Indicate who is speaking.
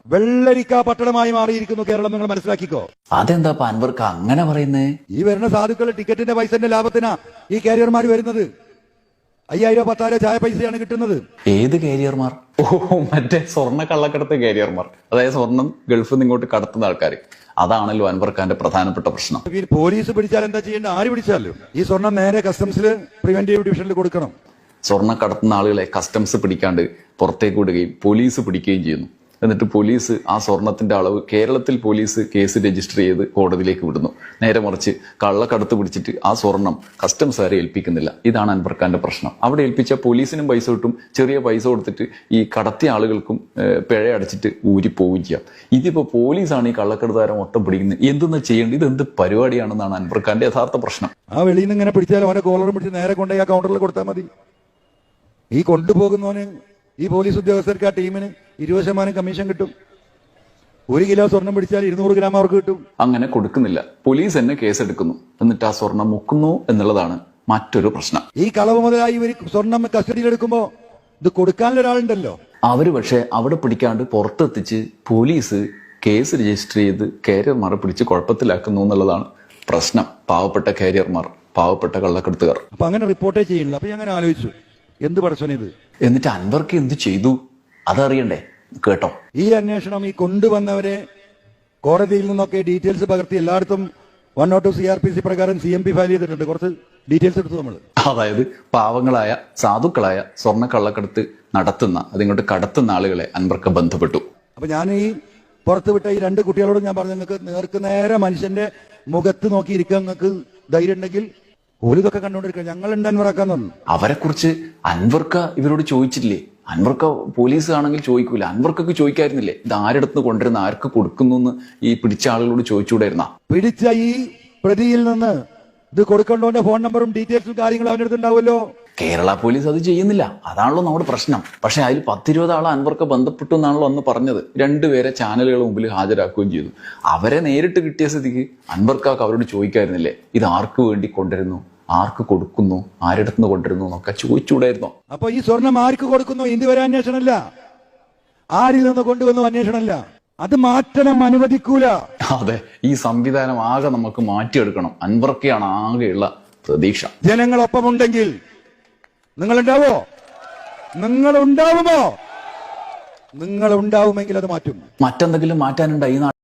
Speaker 1: വെള്ളരിക്ക പട്ടണമായി മാറിയിരിക്കുന്നു കേരളം, നിങ്ങൾ മനസ്സിലാക്കിക്കോ.
Speaker 2: അതെന്താ അൻവർക്ക് അങ്ങനെ പറയുന്നേ?
Speaker 1: ഈ വരുന്ന സാധുക്കൾ ടിക്കറ്റിന്റെ പൈസന്റെ ലാഭത്തിനാ ഈ കാരിയർമാർ വരുന്നത്. 5000 10,000 ചായ പൈസയാണ് കിട്ടുന്നത്.
Speaker 2: ഏത് കാരിയർമാർ? ഓ, മറ്റേ സ്വർണ്ണ കള്ളക്കടത്ത് കാരിയർമാർ, അതായത് സ്വർണം ഗൾഫിൽ നിന്ന് ഇങ്ങോട്ട് കടത്തുന്ന ആൾക്കാർ. അതാണല്ലോ അൻവർ ഖാന്റെ പ്രധാനപ്പെട്ട പ്രശ്നം.
Speaker 1: പോലീസ് പിടിച്ചാൽ എന്താ ചെയ്യേണ്ട? ആര് പിടിച്ചാലും ഈ സ്വർണം നേരെ കസ്റ്റംസിൽ പ്രിവെന്റീവ് ഡിവിഷനിൽ കൊടുക്കണം.
Speaker 2: സ്വർണ്ണ കടത്തുന്ന ആളുകളെ കസ്റ്റംസ് പിടിക്കാണ്ട് പുറത്തേക്ക് വിടുകയും പോലീസ് പിടിക്കുകയും ചെയ്യുന്നു. എന്നിട്ട് പോലീസ് ആ സ്വർണത്തിന്റെ അളവ്, കേരളത്തിൽ പോലീസ് കേസ് രജിസ്റ്റർ ചെയ്ത് കോടതിയിലേക്ക് വിടുന്നു. നേരെ മറിച്ച് കള്ളക്കടത്ത് പിടിച്ചിട്ട് ആ സ്വർണം കസ്റ്റംസുകാരെ ഏൽപ്പിക്കുന്നില്ല. ഇതാണ് അൻവർ ഖാന്റെ പ്രശ്നം. അവിടെ ഏൽപ്പിച്ച പോലീസിനും പൈസ കിട്ടും, ചെറിയ പൈസ കൊടുത്തിട്ട് ഈ കടത്തിയ ആളുകൾക്കും പിഴ അടച്ചിട്ട് ഊരിപ്പോവുകയും ചെയ്യാം. ഇതിപ്പോ പോലീസാണ് ഈ കള്ളക്കടത്തുകാരെ മൊത്തം പിടിക്കുന്നത്. എന്തെന്നാ ചെയ്യേണ്ടത്? ഇത് എന്ത് പരിപാടിയാണെന്നാണ് അൻവർ ഖാന്റെ യഥാർത്ഥ പ്രശ്നം.
Speaker 1: ആ വെളിയിൽ നിന്ന് ഇങ്ങനെ പിടിച്ചാൽ അവനെ കോളറും പിടിച്ച് നേരെ കൊണ്ടുപോയി ആ കൗണ്ടറിൽ കൊടുത്താൽ മതി. ഈ കൊണ്ടുപോകുന്നവന്, ഈ പോലീസ് ഉദ്യോഗസ്ഥർക്ക്, ആ ടീമിന് 20% കമ്മീഷൻ കിട്ടും. 1 കിലോ സ്വർണം പിടിച്ചാൽ 200 ഗ്രാം അവർക്ക് കിട്ടും.
Speaker 2: അങ്ങനെ കൊടുക്കുന്നില്ല, പോലീസ് തന്നെ കേസെടുക്കുന്നു. എന്നിട്ട് ആ സ്വർണം മുക്കുന്നു എന്നുള്ളതാണ് മറ്റൊരു പ്രശ്നം.
Speaker 1: ഈ കളവ് മുതലായി ഇവർ സ്വർണം കസ്റ്റഡിയിലെടുക്കുമ്പോ ഇത് കൊടുക്കാനുള്ള ഒരാളുണ്ടല്ലോ.
Speaker 2: അവര് പക്ഷെ അവിടെ പിടിക്കാണ്ട് പുറത്തെത്തിച്ച് പോലീസ് കേസ് രജിസ്റ്റർ ചെയ്ത് കാരിയർമാരെ പിടിച്ച് കുഴപ്പത്തിലാക്കുന്നു എന്നുള്ളതാണ് പ്രശ്നം. പാവപ്പെട്ട കാരിയർമാർ, പാവപ്പെട്ട കള്ളക്കടത്തുകാർ.
Speaker 1: അപ്പൊ അങ്ങനെ റിപ്പോർട്ടേ ചെയ്യുന്നില്ല. അപ്പൊ ഞാൻ അങ്ങനെ ആലോചിച്ചു, എന്ത് പടച്ചോനിത്?
Speaker 2: എന്നിട്ട് അൻവർക്ക് എന്ത് ചെയ്തു അതറിയണ്ടേ? കേട്ടോ,
Speaker 1: ഈ അന്വേഷണം ഈ കൊണ്ടുവന്നവരെ കോടതിയിൽ നിന്നൊക്കെ ഡീറ്റെയിൽസ് പകർത്തി എല്ലായിടത്തും 102 CRPC പ്രകാരം CMP ഫയൽ ചെയ്തിട്ടുണ്ട്. കുറച്ച് ഡീറ്റെയിൽസ് എടുത്തു നമ്മൾ.
Speaker 2: അതായത് പാവങ്ങളായ സാധുക്കളായ സ്വർണ്ണ കള്ളക്കടത്ത് നടത്തുന്ന, അതിങ്ങോട്ട് കടത്തുന്ന ആളുകളെ അൻവർക്ക് ബന്ധപ്പെട്ടു.
Speaker 1: അപ്പൊ ഞാൻ ഈ പുറത്ത് വിട്ട ഈ 2 കുട്ടികളോട് ഞാൻ പറഞ്ഞു, നിങ്ങൾക്ക് നേർക്ക് നേരെ മനുഷ്യന്റെ മുഖത്ത് നോക്കിയിരിക്കാൻ നിങ്ങൾക്ക് ധൈര്യം ഉണ്ടെങ്കിൽ ഓലിതൊക്കെ കണ്ടുകൊണ്ടിരിക്കുക, ഞങ്ങളുണ്ട് അൻവറാക്കാൻ തന്നു.
Speaker 2: അവരെ കുറിച്ച് അൻവർക്ക് ഇവരോട് ചോദിച്ചില്ലേ? അൻവർക്ക് പോലീസ് ആണെങ്കിൽ ചോദിക്കൂല, അൻവർക്കൊക്കെ ചോദിക്കായിരുന്നില്ലേ ഇത് ആരെടുത്ത് കൊണ്ടുവരുന്ന, ആർക്ക് കൊടുക്കുന്നു എന്ന് ഈ പിടിച്ച ആളുകളോട് ചോദിച്ചുകൂടായിരുന്ന?
Speaker 1: പിടിച്ച ഈ പ്രതിയിൽ നിന്ന് ഇത് കൊടുക്കേണ്ടവന്റെ ഫോൺ നമ്പറും ഡീറ്റെയിൽസും കാര്യങ്ങളും അവൻ്റെ അടുത്ത് ഉണ്ടാവുമല്ലോ.
Speaker 2: കേരള പോലീസ് അത് ചെയ്യുന്നില്ല, അതാണല്ലോ നമ്മുടെ പ്രശ്നം. പക്ഷെ അതിൽ 10-20 ആളെ അൻവർക്ക് ബന്ധപ്പെട്ടു എന്നാണല്ലോ അന്ന് പറഞ്ഞത്. 2 പേരെ ചാനലുകൾ മുമ്പിൽ ഹാജരാക്കുകയും ചെയ്തു. അവരെ നേരിട്ട് കിട്ടിയ സ്ഥിതിക്ക് അൻവർക്കാക്ക് അവരോട് ചോദിക്കായിരുന്നില്ലേ ഇത് ആർക്ക് വേണ്ടി കൊണ്ടുവരുന്നു, ആർക്ക് കൊടുക്കുന്നു, ആരിടത്തുനിന്ന് കൊണ്ടുവരുന്നു എന്നൊക്കെ ചോദിച്ചുകൂടായിരുന്നോ?
Speaker 1: അപ്പൊ ഈ സ്വർണം ആർക്ക് കൊടുക്കുന്നു ഇതുവരെ അന്വേഷണമല്ല, ആരിൽ നിന്ന് കൊണ്ടുവന്നു അന്വേഷണമല്ല. അത് മാറ്റണം, അനുവദിക്കൂല.
Speaker 2: അതെ, ഈ സംവിധാനം ആകെ നമുക്ക് മാറ്റിയെടുക്കണം. അൻവർക്കാണ് ആകെയുള്ള പ്രതീക്ഷ.
Speaker 1: ജനങ്ങളൊപ്പമുണ്ടെങ്കിൽ നിങ്ങളുണ്ടാവോ? നിങ്ങളുണ്ടാവുമോ? നിങ്ങളുണ്ടാവുമെങ്കിൽ അത് മാറ്റും.
Speaker 2: മറ്റെന്തെങ്കിലും മാറ്റാനുണ്ടോ ഈ